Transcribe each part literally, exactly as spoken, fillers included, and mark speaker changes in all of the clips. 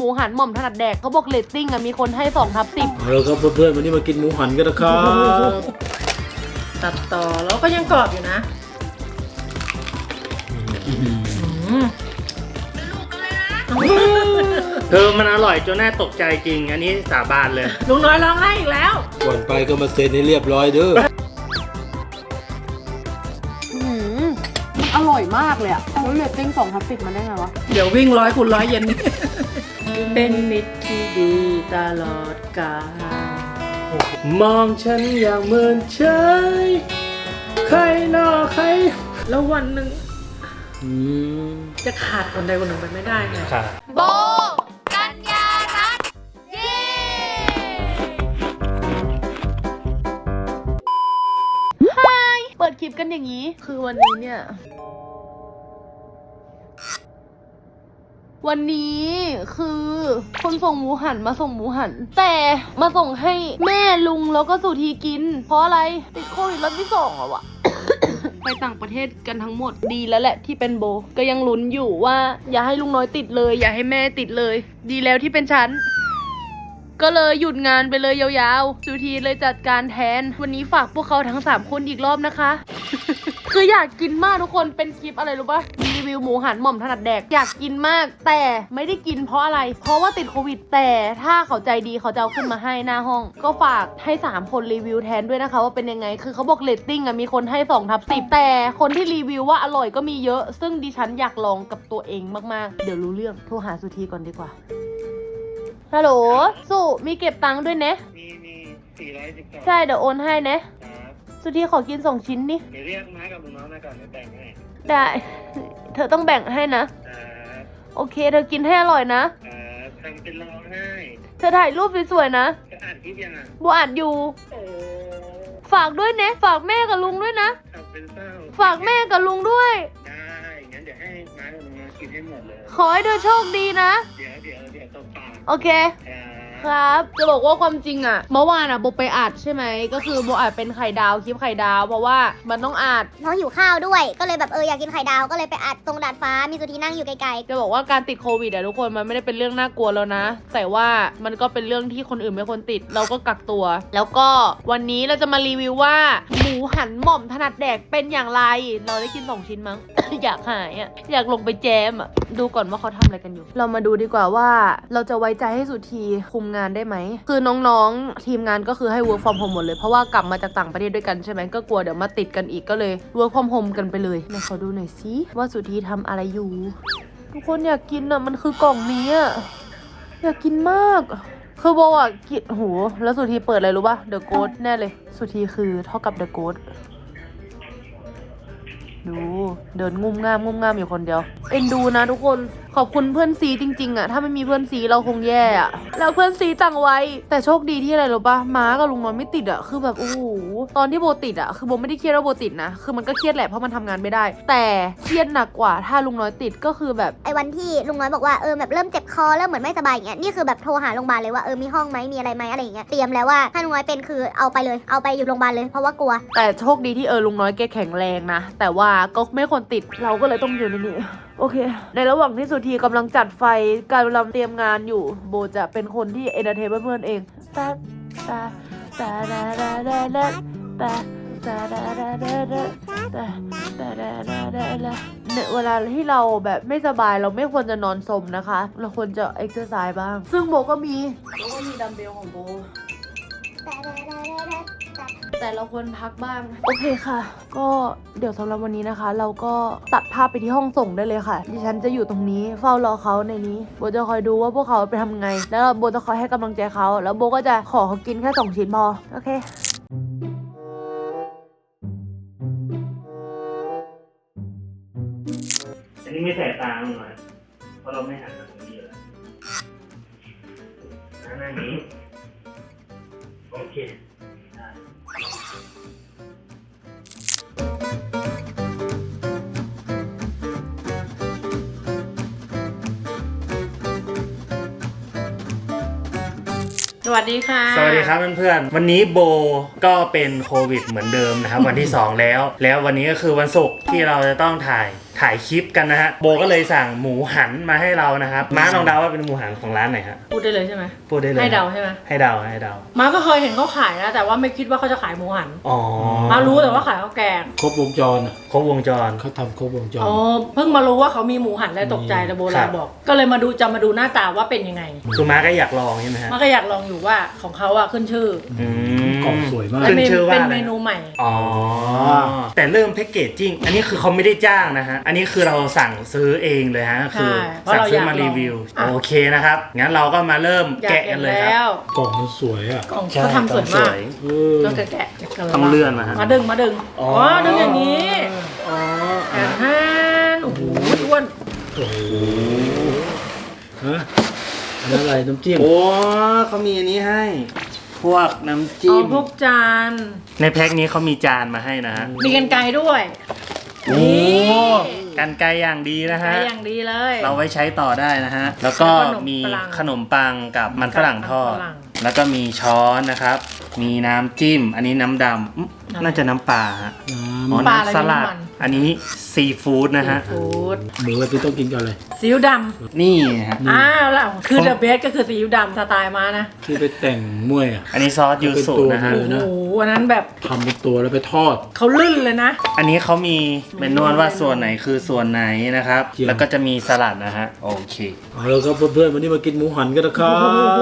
Speaker 1: มูหันหม่อมถนัดแดกเขาบอกเรตติ้งอะมีคนให้สองทับสิบ
Speaker 2: แล้วก็เพื่อนๆวันนี้มากินหมูหันกันนะครับ
Speaker 3: ตัดต่อแล้วก็ยังกรอบอยู่นะ
Speaker 4: เธอมันอร่อยจนน่าตกใจจริงอันนี้สาบานเลย
Speaker 3: ลุงน้อยร้องไห้อีกแล้ว
Speaker 2: ก่อนไปก็มาเซ็นให้เรียบร้อยเด้อ
Speaker 1: อร่อยมากเลยอะแล้วเรตติ้งสองทับสิบมันได้ไงวะ
Speaker 3: เดี๋ยววิ่งร้อยคูณร้อยเย็นเป็นมิตรที่ดีตลอดกาล
Speaker 4: มองฉันอย่างเหมือนเฉยใครนอใคร
Speaker 3: แล้ววันหนึ่งจะขาดคนใดคนหนึ่งไปไม่ได้ไง
Speaker 1: โบกัญญารัตน์เย้ไฮเปิดคลิปกันอย่างนี้คือวันนี้เนี่ยวันนี้คือคนส่งหมูหันมาส่งหมูหันแต่มาส่งให้แม่ลุงแล้วก็สุธีกินเพราะอะไรติดโควิดรอบที่สองอะวะ ไปต่างประเทศกันทั้งหมดดีแล้วแหละที่เป็นโบก็ยังลุ้นอยู่ว่าอย่าให้ลุงน้อยติดเลยอย่าให้แม่ติดเลยดีแล้วที่เป็นฉันก็เลยหยุดงานไปเลยยาวๆสุธีเลยจัดการแทนวันนี้ฝากพวกเขาทั้งสามคนอีกรอบนะคะ คืออยากกินมากทุกคนเป็นคลิปอะไรรู้ปะรีวิวหมูหันหม่อมถนัดแดกอยากกินมากแต่ไม่ได้กินเพราะอะไรเพราะว่าติดโควิดแต่ถ้าเขาใจดีเขาจะเอาขึ้นมาให้หน้าห้องก็ฝากให้สามคนรีวิวแทนด้วยนะคะว่าเป็นยังไงคือเขาบอกเรตติ้งอะมีคนให้สองทับสิบแต่คนที่รีวิวว่าอร่อยก็มีเยอะซึ่งดิฉันอยากลองกับตัวเองมากๆเดี๋ยวรู้เรื่องโทรหาสุธีก่อนดีกว่าฮัลโหลสุมีเก็บตังค์ด้วยเนะ
Speaker 4: มีมีสี่ร้อยสิบสอง
Speaker 1: ใช่เดี๋ยวโอนให้เนะสุธีขอกินสองชิ้นนี่
Speaker 4: เดี๋ยวเรียกม้ากับลุงน้องมาก่อนเดี๋ยวแบ่งให้
Speaker 1: ได้เธอต้องแบ่งให้นะโอเคเธอกินให้อร่อยนะ
Speaker 4: ทำเป็นร้องไห้
Speaker 1: เธอถ่ายรูปสวยๆนะ
Speaker 4: จะอ่านคลิปยังอ่ะ
Speaker 1: บัวอ่านอยู่ฝากด้วยเนะฝากแม่กับลุงด้วยนะฝากแม่กับลุงด้วย
Speaker 4: ได้งั้นเดี๋ยวให้ม้ากับลุงน้องกินให้หมดเลย
Speaker 1: ขอให้เธอโชคดีนะ
Speaker 4: เดี๋ยวเดี๋ยวเดี๋ยวตบปาก
Speaker 1: โอเคครับจะบอกว่าความจริงอะเมื่อวานอะโบไปอัดใช่ไหมก็คือโบอัดเป็นไข่ดาวคลิปไข่ดาวเพราะว่ามันต้องอัด
Speaker 5: น้องหิวข้าวด้วยก็เลยแบบเอออยากกินไข่ดาวก็เลยไปอัดตรงดาดฟ้ามีสุธีนั่งอยู่ไกล
Speaker 1: ๆจะบอกว่าการติดโควิดอะทุกคนมันไม่ได้เป็นเรื่องน่ากลัวแล้วนะแต่ว่ามันก็เป็นเรื่องที่คนอื่นไม่ควรติดเราก็กักตัวแล้วก็วันนี้เราจะมารีวิวว่าหมูหันหม่อมถนัดแดกเป็นอย่างไรเราได้กินสองชิ้นมั้ง อยากหายอะอยากลงไปแจมอะดูก่อนว่าเขาทำอะไรกันอยู่เรามาดูดีกว่าว่าเราจะไว้ใจให้สุธีคุมงานได้ไหมคือน้องๆทีมงานก็คือให้ work from home หมดเลยเพราะว่ากลับมาจากต่างประเทศด้วยกันใช่ไหมก็กลัวเดี๋ยวมาติดกันอีกก็เลย work from home กันไปเลยมาขอดูหน่อยสิว่าสุธีทำอะไรอยู่ทุกคนอยากกินอ่ะมันคือกล่องนี้อ่ะอยากกินมากคือโบอ่ะกินโหแล้วสุธีเปิดอะไรรู้ป่ะ The Ghost แน่เลยสุธีคือเท่ากับ The Ghost ดูเดินงุ่มง่ามงุ่มง่ามอยู่คนเดียวเอ็นดูนะทุกคนขอบคุณเพื่อนซีจริงๆอะถ้าไม่มีเพื่อนซีเราคงแย่อะแล้วเพื่อนซีต่างไว้แต่โชคดีที่อะไรรู้ปะม้ากับลุงน้อยไม่ติดอะคือแบบโอ้โหตอนที่โบติดอะคือโบไม่ได้เครียดว่าโบติดนะคือมันก็เครียดแหละเพราะมันทำงานไม่ได้แต่เครียดหนักกว่าถ้าลุงน้อยติดก็คือแบบ
Speaker 5: ไอ้วันที่ลุงน้อยบอกว่าเออแบบเริ่มเจ็บคอเริ่มเหมือนไม่สบายอย่างเงี้ยนี่คือแบบโทรหาโรงพยาบาลเลยว่าเออมีห้องไหมมีอะไรไหมอะไรอย่างเงี้ยเตรียมแล้วว่าถ้าลุงน้อยเป็นคือเอาไปเลยเอาไปอยู่โรงพยาบาลเลยเพราะว่ากลัว
Speaker 1: แต่โชคดีที่เออลุงน้อยแกแข็งแรงนะแต่ว่าก็ไม่ควรติดเราก็เลยต้องอยู่ในนี้โอเคในระหว่างที่สุธีกำลังจัดไฟกำลังเตรียมงานอยู่โบจะเป็นคนที่เอนเตอร์เทนเพื่อนๆเองตาตาตาดาดาดาดาตาตาดาดาดาดาตาตาดาดาดาดาเนี่ยเวลาที่เราแบบไม่สบายเราไม่ควรจะนอนสมนะคะเราควรจะเอ็กซ์เซอร์ไซส์บ้างซึ่งโบก็มีโบก็มีดัมเบลของโบแต่เราควรพักบ้างโอเคค่ะก็เดี๋ยวสำหรับวันนี้นะคะเราก็ตัดภาพไปที่ห้องส่งได้เลยค่ะดิฉันจะอยู่ตรงนี้เฝ้ารอเขาในนี้โบจะคอยดูว่าพวกเขาไปทำไงแล้วโบจะคอยให้กำลังใจเขาแล้วโบก็จะขอเขากินแค่สองชิ้นพอโอเค
Speaker 4: อันนี้ไม่ใส่ตาลงมาเพราะเราไม่หันมาตรงนี้เลยหน้านี้โอเค
Speaker 3: สวัสดีค่ะ
Speaker 4: สวัสดีครับเพื่อนๆวันนี้โบก็เป็นโควิดเหมือนเดิมนะครับ วันที่สองแล้วแล้ววันนี้ก็คือวันศุกร์ที่เราจะต้องถ่ายถ่ายคลิปกันนะฮะโบก็เลยสั่งหมูหันมาให้เรานะครับม้าลองเดาว่าเป็นหมูหันของร้านไหนฮะ
Speaker 3: พูดได้เลยใช่ไหม
Speaker 4: พูดได้เลย
Speaker 3: ให้เดาใช่ไหม
Speaker 4: ให้เดาให้เดา
Speaker 3: มาก็เคยเห็นเขาขายนะแต่ว่าไม่คิดว่าเขาจะขายหมูหัน
Speaker 4: อ๋อ
Speaker 3: มารู้แต่ว่าขายข้าวแกง
Speaker 2: ครบวงจรอ่ะ
Speaker 4: ครบวงจร
Speaker 2: เขาทำครบวงจร
Speaker 3: อ๋อเพิ่งมารู้ว่าเขามีหมูหันแล้วตกใจแต่โบราณบอก ก็เลยมาดูจะมาดูหน้าตาว่าเป็นยังไง
Speaker 4: คือม้าก็อยากลองใช่ไหมฮะ
Speaker 3: มาก็อยากลองอยู่ว่าของเขาอะขึ้นชื่อ
Speaker 4: อืม
Speaker 2: กล่องสวยมาก
Speaker 4: ขึ้นชื่อว่า
Speaker 3: เป็น
Speaker 4: อะไร
Speaker 3: เมนูใหม่
Speaker 4: อ๋อแต่เริ่มแพ็กเกจจิ้งอันนี้คือเขาไม่ได้จ้างนะฮะอันนี้คือเราสั่งซื้อเองเลยฮะคือ
Speaker 3: ใช่เพราะ
Speaker 4: สั่ง
Speaker 3: เรา
Speaker 4: ซื้อ
Speaker 3: อยาก
Speaker 4: มารีวิว
Speaker 3: ลองอ่ะ
Speaker 4: โอเคนะครับงั้นเราก็มาเริ่ม
Speaker 3: อยาก
Speaker 4: แกะ
Speaker 3: เห็
Speaker 4: กัน
Speaker 3: น
Speaker 4: เลยค
Speaker 3: แล้
Speaker 4: รับ
Speaker 3: ว
Speaker 2: กล่องมันสวยอ่ะ
Speaker 3: ของ
Speaker 4: ใช่
Speaker 3: เขาทำสวยมาก
Speaker 2: เออ
Speaker 3: ก็แกะแกะแกะ
Speaker 4: ต้องเลื่อนมาฮะ
Speaker 3: มาดึงมาดึงอ๋อดึงอย่างนี้
Speaker 2: อ๋อ
Speaker 3: แอนฮนโอ้โหอ้วน
Speaker 2: โอ้โหฮะอันนั้นอะไรน้ำจิ้ม
Speaker 4: โอ้เขามีอันนี้ให้ พวกน้ำ
Speaker 3: เอา
Speaker 4: จิ้ม
Speaker 3: พวกจาน
Speaker 4: ในแพ็คนี้เขามีจานมาให้นะฮะ
Speaker 3: มีกันไกรด้วย
Speaker 4: โอ้
Speaker 3: นี่
Speaker 4: กันไกรอย่างดีนะ
Speaker 3: ไกร
Speaker 4: ฮะ
Speaker 3: อย่างดีเลย
Speaker 4: เราไว้ใช้ต่อได้นะฮะ แล้วก็
Speaker 3: แล้วก็ขนม
Speaker 4: มี
Speaker 3: ปัง
Speaker 4: ขนมปังกับมันฝรั่งทอด
Speaker 3: มันฝรั่ง
Speaker 4: แล้วก็มีช้อนนะครับ มีน้ำจิ้ม อันนี้น้ำดำอื้อ
Speaker 3: อะไร
Speaker 4: น่าจะน้ำปลาฮะ
Speaker 2: น้
Speaker 4: อ๋อ
Speaker 3: ปลาอะไร
Speaker 4: น้ำสลัด
Speaker 3: น้ำมัน
Speaker 4: อันนี้ซีฟู้ดนะฮะ
Speaker 3: ฟู้ด
Speaker 2: ำหมูที่ต้องกินกับอะไร
Speaker 3: ซีอิ๊วด
Speaker 4: นี่ฮะ
Speaker 3: ำอ้าวแล้วคือเดอะเบสก็คือซีอิ๊วดำสไตล์มานะ
Speaker 2: ที่ไปแต่งมวยอ่ะ
Speaker 4: อันนี้ซอสยูสุนะฮะ
Speaker 2: เอ
Speaker 3: โอ้
Speaker 2: อ
Speaker 3: โหอันนั้นแบบ
Speaker 2: ทำเป็นตัวแล้วไปทอด
Speaker 3: เขาลื่นเลยนะ
Speaker 4: อันนี้เขามีเมนูว่าส่วนไหนคือส่วนไหนนะครับ
Speaker 2: เจียว
Speaker 4: แล้วก็จะมีสลัดนะฮะ โอเค
Speaker 2: เอาแล้วครับเพื่อนๆวันนี้มากินหมูหันกันนะครับ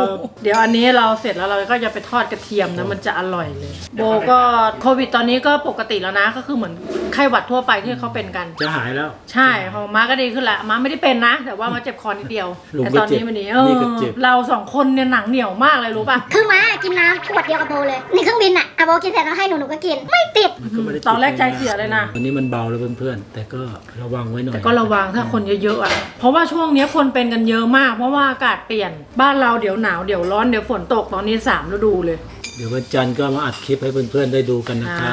Speaker 3: เดี๋ยวอันนี้เราเสร็จแล้วเราก็จะไปทอดกระเทียมนะมันจะอร่อยเลย โบก็โควิดตอนนี้ก็ปกติแล้วนะก็คือเหมือนไข้หวัดทั่วไปที่เขาเป็นกัน
Speaker 2: จะหายแล้ว
Speaker 3: ใช่ของม้าก็ดีขึ้นละม้าไม่ได้เป็นนะ แต่ว่ามาเจ็บคอนิดเดียว
Speaker 2: ลุง
Speaker 3: แต่
Speaker 2: ก็
Speaker 3: ตอน
Speaker 2: เจ็บ
Speaker 3: นี้มันนี้
Speaker 2: นี่ก็เจ็บ
Speaker 3: เราสองคนเนี่ยหนังเหนียวมากเลยรู้ป่ะ
Speaker 5: คือม้ากินน้ำขวดเดียวกับโบเลยในเครื่องบินอ่ะอะโบกินเสร็จแล้วให้หนูหนูก็กิน ไม่ติด
Speaker 2: มันก็ไม่ได้
Speaker 3: ตอนแรกใจเสียเลยนะ
Speaker 2: วันนี้มันเบาแล้วเพื่อนๆแต่ก็ระวังไว้หน่อย
Speaker 3: แต่ก็ระวังถ้าคนเยอะๆอ่ะ เพราะว่าช่วงเนี้ยคนเป็นกันเยอะมาก เพราะว่าอากาศเปลี่ยน บ้านเราเดี๋ยวหนาวเดี๋ยวร้อนเดี๋ยวฝนตกตอนนี้สามฤดูเลย
Speaker 2: เดี๋ยววันจันทร์ก็มาอัดคลิปให้เพื่อนๆได้ดูกันนะครับ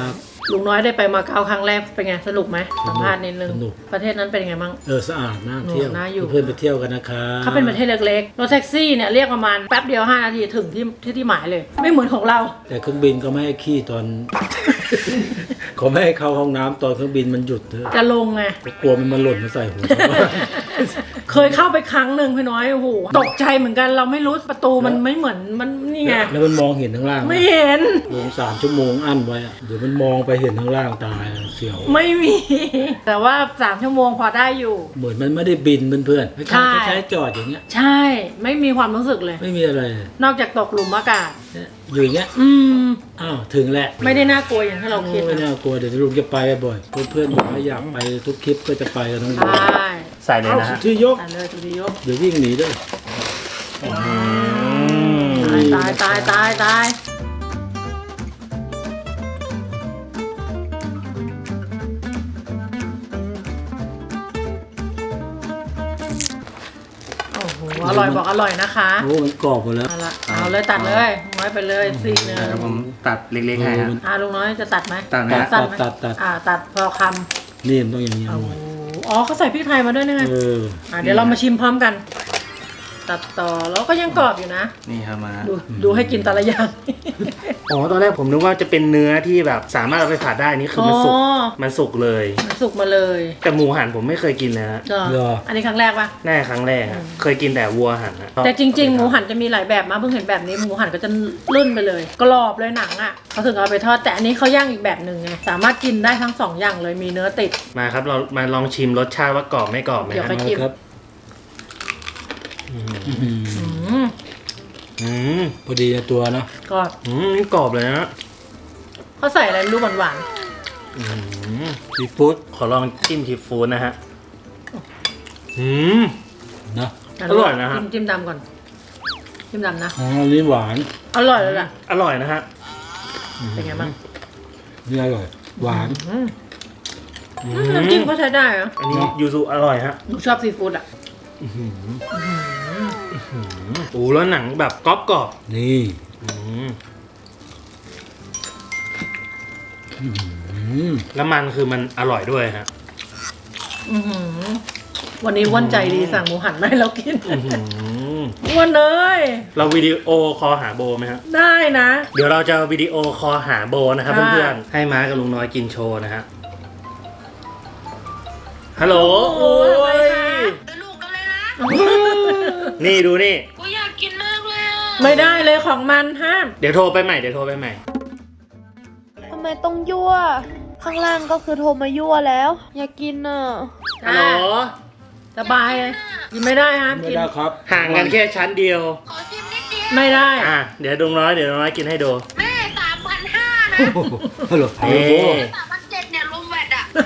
Speaker 3: ลุงน้อยได้ไปมาเก๊าครั้งแรกเป็นไงสนุกไหมสัมภาษณ์นิดนึง
Speaker 2: สนุก
Speaker 3: ประเทศนั้นเป็นไงบ้าง
Speaker 2: เออสะอาดน่าเที่ยว
Speaker 3: น่าอยู่
Speaker 2: เพื่อนๆไปเที่ยวกันนะครับ
Speaker 3: เขาเป็นประเทศเล็กๆรถแท็กซี่เนี่ยเรียกประมาณแป๊บเดียวห้านาทีถึงที่ที่ที่หมายเลย ไม่เหมือนของเรา
Speaker 2: แต่เครื่องบินก็ไม่ให้ขี้ตอน เขาไม่ให้เข้าห้องน้ำตอนเครื่องบินมันหยุดเถอะ
Speaker 3: จะลงไง
Speaker 2: กลัวมันมาหล่นมาใส่หัวชาวบ้าน
Speaker 3: เคยเข้าไปครั้งหนึ่งพี่น้อยโอ้โหตกใจเหมือนกันเราไม่รู้ประตูมันไม่เหมือนมันนี่ไง
Speaker 2: แล้วมันมองเห็นข้างล่าง
Speaker 3: ไม่เห็น
Speaker 2: ลงสามชั่วโมงอั้นไว้อะเดี๋ยวมันมองไปเห็นข้างล่างตายเสียว
Speaker 3: ไม่มี แต่ว่าสามชั่วโมงพอได้อยู่
Speaker 2: เหมือนมันไม่ได้บินเพื่อนๆ
Speaker 3: ใช่
Speaker 2: คล้ายๆใช้จอดอย่างเงี้ย
Speaker 3: ใช่ ไม่มีความรู้สึกเลย
Speaker 2: ไม่มีอะไรเลย
Speaker 3: นอกจากตกหลุมอากาศ
Speaker 2: เนี่ยอยู่อย่างเงี้ย
Speaker 3: อืม
Speaker 2: อ้าวถึงแหละ
Speaker 3: ไม่ได้น่ากลัวอย่างที่เราคิด
Speaker 2: ไม่
Speaker 3: นะ
Speaker 2: น่ากลัวเดี๋ยวลุงจะไปบ่อยๆเพื่อนๆบอกว่าอยากไปทุกคลิปก็จะไปกันทั้งหม
Speaker 3: ใช
Speaker 2: ด่
Speaker 4: ใส่เลย
Speaker 2: เอา
Speaker 4: นะ
Speaker 2: สุ
Speaker 4: ฮะ
Speaker 2: ดที่ยก
Speaker 3: ตายเลยทุกทียก
Speaker 2: เดี๋ยววิ่งหนีด้วย
Speaker 3: ตายตายตายตายโอ้โหอร่อยบอกอร่อยนะคะ
Speaker 2: โอ้มันกรอบหมดแล้ว
Speaker 3: เอาละเอาเลยตัดเลยน้อยไปเลยซีกหนึ่ง
Speaker 4: เดี๋ยวผมตัดเล็กๆให้ฮะ
Speaker 3: อ่าลุงน้อยจะตัดไหม
Speaker 4: ตัดไหม
Speaker 3: สั้นไหม
Speaker 2: ตัดตัด
Speaker 3: อ่าตัดพอค
Speaker 2: นี่มันต้องอย่างนี้
Speaker 3: ำ
Speaker 2: เอา
Speaker 3: โอ้
Speaker 2: ไว้
Speaker 3: โหอ๋อเขาใส่พริกไทยมาด้วยนะไง
Speaker 2: เออ
Speaker 3: อ่าเดี๋ยวเรามาชิมพร้อมกัน ตัดต่อแล้วก็ยังกรอบอยู่นะ
Speaker 4: นี่ครับมา
Speaker 3: ดูดูให้กินแต่ละอย่าง
Speaker 4: อ๋อตอนแรกผมนึกว่าจะเป็นเนื้อที่แบบสามารถเอาไปผัดได้นี่คือมันสุก
Speaker 3: อ๋อ
Speaker 4: มันสุกเลย
Speaker 3: มันสุกมาเลย
Speaker 4: แต่หมูหันผมไม่เคยกินเลยฮะ
Speaker 3: ก็
Speaker 2: เหรอ
Speaker 3: อันนี้ครั้งแรกปะ
Speaker 4: แน่ครั้งแรกอะเคยกินแต่วัวหันอะ
Speaker 3: แต่จริงๆหมูหันจะมีหลายแบบมาเพิ่งเห็นแบบนี้หมูหันก็จะลื่นไปเลยกรอบเลยหนังอ่ะเขาถึงเอาไปทอดแต่อันนี้เขาย่างอีกแบบหนึ่งไงสามารถกินได้ทั้งสองอย่างเลยมีเนื้อติด
Speaker 4: มาครับเรามาลองชิมรสชาติว่ากรอบไม่กรอบไหม
Speaker 3: เดี๋ยว
Speaker 4: ฮะ
Speaker 3: ไป
Speaker 2: มาครับอื้อหือ
Speaker 3: อืม
Speaker 4: อืม
Speaker 2: พอดีในตัวเนาะ
Speaker 3: กรอบ
Speaker 4: อืมนี่กรอบเลยนะ
Speaker 3: เขาใส่อะไรไม่รู้หวาน
Speaker 4: อืม
Speaker 2: ซีฟู้ด
Speaker 4: ขอลองจิ้มซีฟู้ดนะฮะอืม
Speaker 2: นะ
Speaker 3: ๆ
Speaker 4: อร่อยนะฮะ
Speaker 3: จิ้มจิ้มดำก่อนจิ้มดำนะ
Speaker 2: อ๋ออันนี้หวาน
Speaker 3: อร่อยเลยล่ะ
Speaker 4: อร่อยนะฮะ
Speaker 3: เป็นไงบ้าง
Speaker 2: นี่อร่อยหวาน
Speaker 3: อืมน้ำจิ้มเขาใช้ได้เหรอ
Speaker 4: อันนี้ยูซุอร่อยฮะ
Speaker 3: หนูชอบซีฟู้ดอ่ะ
Speaker 4: โอ้แล้วหนังแบบกรอบกรอบ
Speaker 2: นี่
Speaker 4: ๆอืม
Speaker 2: อืม
Speaker 4: แล้วมันคือมันอร่อยด้วยฮะ
Speaker 3: อื้อหือวันนี้อ้วนใจดีสั่งหมูหันมาให้เรากิน
Speaker 4: อื้อหือ
Speaker 3: อ้วนเลย
Speaker 4: เราวิดีโอคอลหาโบไหมฮะ
Speaker 3: ได้นะ
Speaker 4: เดี๋ยวเราจะวิดีโอคอลหาโบนะครับ
Speaker 3: ค่ะ
Speaker 4: เพื่อนๆให้ม้ากับลุงน้อยกินโชว์นะฮะฮัลโหลโอ้ย
Speaker 1: สนุกกันเลยนะ
Speaker 4: นี่ดูนี่
Speaker 1: กูอยากกินมากเลยอ่ะ
Speaker 3: ไม่ได้เลยของมันห้าม
Speaker 4: เดี๋ยวโทรไปใหม่เดี๋ยวโทรไปใหม่
Speaker 1: ทำไมต้องยั่ว ข้างล่างก็คือโทรมายั่วแล้ว อยากกินอ่ะ
Speaker 4: ฮัลโหล
Speaker 3: สบายเลยกินไม่ได้ห้าม
Speaker 2: ไม่
Speaker 3: กิน
Speaker 2: ได้ครับ
Speaker 4: ห่างกันแค่ชั้นเดียว
Speaker 1: ขอชิมนิดเดียว
Speaker 3: ไม่ได้
Speaker 4: อ่ะเดี๋ยวดุงน้อยเดี๋ยวดุงน้อยกินให้ดู
Speaker 1: แม่สามพันห้านะ
Speaker 2: ฮัลโหลฮัล
Speaker 4: เอ๊
Speaker 2: โหละ
Speaker 1: สามพันเจ็ดเนี่ยรวมแวดอ่ะ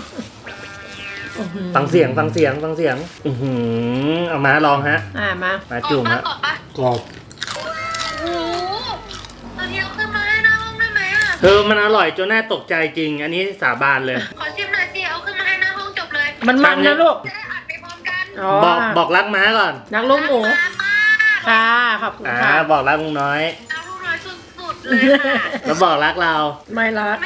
Speaker 4: ฟังเสียงฟังเสียงฟังเสียง อือหือเอามาลองฮะ
Speaker 3: อ่ามา
Speaker 4: มาจุ่มฮะ
Speaker 1: กรอบปะ
Speaker 2: กรอบ
Speaker 1: โอ้โหตอนนี้เอาขึ้นมาให้หน้าห้องได้ไหมอ่ะ
Speaker 4: เออมันอร่อยจนน่าตกใจจริง อันนี้สาบานเลย
Speaker 1: ขอชิมหน่อยสิ เอาขึ้นมาให้หน้าห้องจบเลย
Speaker 3: มันมันนะลูก
Speaker 1: จะได้อัดไปพร้อมกัน
Speaker 3: อ๋อ
Speaker 4: บอกบอกรักม้าก่อน
Speaker 3: นักลูกหมู
Speaker 1: มามา
Speaker 3: ค่ะขอบคุณ
Speaker 4: อ่า
Speaker 3: ค่ะ
Speaker 4: บอกรักลุงน้อย
Speaker 1: เอาลูกน้อยสุดๆเลยค่ะ
Speaker 4: แล้วบอกรักเรา
Speaker 3: ไม่รัก
Speaker 1: แม่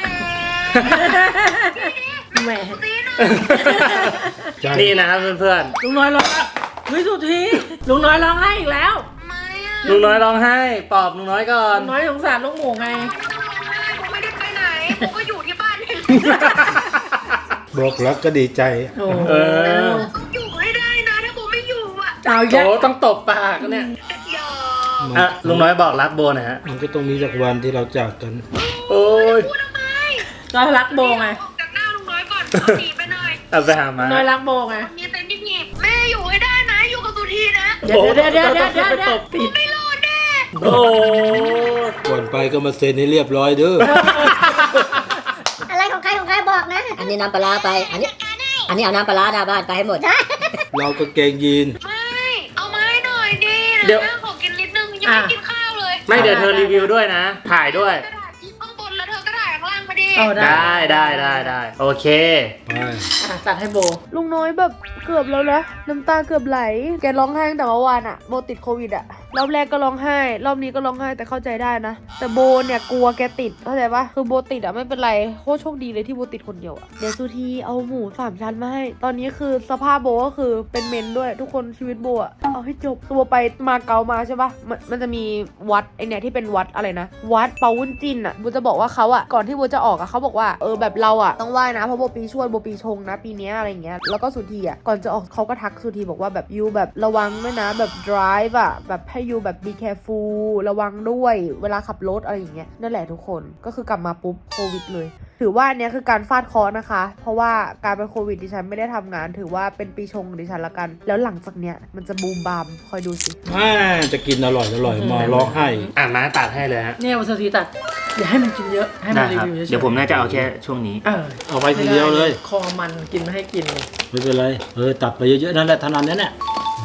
Speaker 3: แหม
Speaker 1: ตีหน่อย
Speaker 2: ใช่
Speaker 4: นี่นะครับเพื่อน
Speaker 3: ลุงน้อยร้องอ่ะเฮ้ยสุดทีลุงน้อยร้องให้อีกแล้ว
Speaker 1: ไม่อะ
Speaker 4: ๆลุงน้อยร้องไห้ปลอบลุงน้อยก่อน
Speaker 3: ลุงน้อยสงสารลูกหมูไง
Speaker 1: ผมไม่ได้ไปไหน ผมก็อยู่ที่บ้านเอง
Speaker 2: บอกรักก็ดีใจ
Speaker 3: โอ้
Speaker 4: เออ
Speaker 1: ต้องอยู่ให้ได้นะ ถ้าผมไม่อยู่อ่ะ
Speaker 3: เอาอีก
Speaker 4: โอ้
Speaker 3: แล้ว
Speaker 4: ต้องตบปากเนี่ย
Speaker 1: อย่า
Speaker 4: อ่ะลุงน้อยบอกรักโบหนะฮะ
Speaker 2: มันก็ต้องมีสักวันที่เราจากกัน
Speaker 4: โอ้ย
Speaker 1: พูดทำไม
Speaker 3: ก็รักโบไง
Speaker 1: ออกจากหน้าลุงน้อยก่อนหนีไปหน่อย
Speaker 4: เอาไปหามา
Speaker 3: น้อยรักโบไง
Speaker 1: มีเต็นท์หยิบแม่อยู่ให้ได้นะ อยู่กับสุธีนะ
Speaker 3: เดี๋ยวเดี๋ยวเดี๋ยวเดี๋ยวเดี๋ยว
Speaker 4: ไป
Speaker 3: เดี๋
Speaker 4: ต
Speaker 3: ยว
Speaker 4: บ
Speaker 3: ปิด
Speaker 1: ไม่รอดแน่
Speaker 4: โอ้
Speaker 2: ก่อนไปก็มาเซ็นให้เรียบร้อยเด้อ
Speaker 5: อะไรของใครของใครบอกนะ
Speaker 6: อันนี้น้ำปลาร้าไป อันนี้ อันนี้เอาน้ำปลาร้าหน้าบ้านไปให้หมด
Speaker 2: เราก็เกงยีน
Speaker 1: ไม่ เอามาให้หน่อยดิ
Speaker 4: เดี๋ยว
Speaker 1: นะขอกินนิดนึงยังไม่กินข้าวเลย
Speaker 4: ไม่เดี๋ยวเธอรีวิวด้วยนะ ถ่ายด้วย
Speaker 1: กระดาษที่ข้างบนแล้วเธอก็ถ่ายข้างล่างมาดิ
Speaker 3: เอาได้
Speaker 4: ได้ได้ได้ได้โอเค
Speaker 2: ไป
Speaker 3: อ่ะตัดให้โบ
Speaker 1: ลุงน้อยแบบเกือบแล้วนะน้ำตาเกือบไหล แกร้องไห้ตั้งแต่เมื่อวานอะโบติดโควิดอะรอบแรกก็ร้องไห้ รอบนี้ก็ร้องไห้แต่เข้าใจได้นะ แต่โบเนี่ยกลัวแกติดเข้าใจปะคือโบติดอะไม่เป็นไรโคตรโชคดีเลยที่โบติดคนเดียวอะเดี๋ยวสุธีเอาหมูสามชั้นมาให้ตอนนี้คือสภาพโบก็คือเป็นเมนด้วยทุกคนชีวิตโบอะเอาให้จบคือโบไปมาเก๊ามาใช่ปะมันมันจะมีวัดไอเนี่ยที่เป็นวัดอะไรนะวัดเปาวุ้นจินอะโบจะบอกว่าเขาอะก่อนที่โบจะออกอะเขาบอกว่าเออแบบเราอะต้องไหว้นะเพราะโบปีชวดโบปีชงนะปีเนี้ยอะไรอย่างเงี้ยแล้วก็สุธีอะก่อนจะออกเขาก็ทักสุธีบอกว่าแบบยูแบบระวังด้วยนะแบบ drive อะแบบให้ยูแบบ be careful ระวังด้วยเวลาขับรถอะไรอย่างเงี้ยนั่นแหละทุกคนก็คือกลับมาปุ๊บโควิดเลยถือว่าอันเนี้ยคือการฟาดเคอนะคะ เพราะว่าการเป็นโควิดดิฉันไม่ได้ทำงานถือว่าเป็นปีชงดิฉันละกัน แล้วหลังจากเนี้ยมันจะบูมบามคอยดูสิ
Speaker 2: อ่าจะกินอร่อยอร่อยมาร้องไห้
Speaker 4: อ่ะมาตัดให้เลยฮะ
Speaker 3: เนี่ยวันสุธีตัดอย่าให้มันกินเยอะ ให้มั
Speaker 4: ได้
Speaker 3: นรี
Speaker 4: ครับ
Speaker 3: วิวเฉยๆ
Speaker 4: เดี๋ยวผมน่าจะเอาแค่ช่วงนี้
Speaker 3: เออ
Speaker 2: เอาไว้ทีเดียวเลย
Speaker 3: คอมันกินไม่ให้กิน
Speaker 2: ไม่เป็นไรเออตัดไปเยอะๆนั่นแหละเท่านั้นนั่นแหละ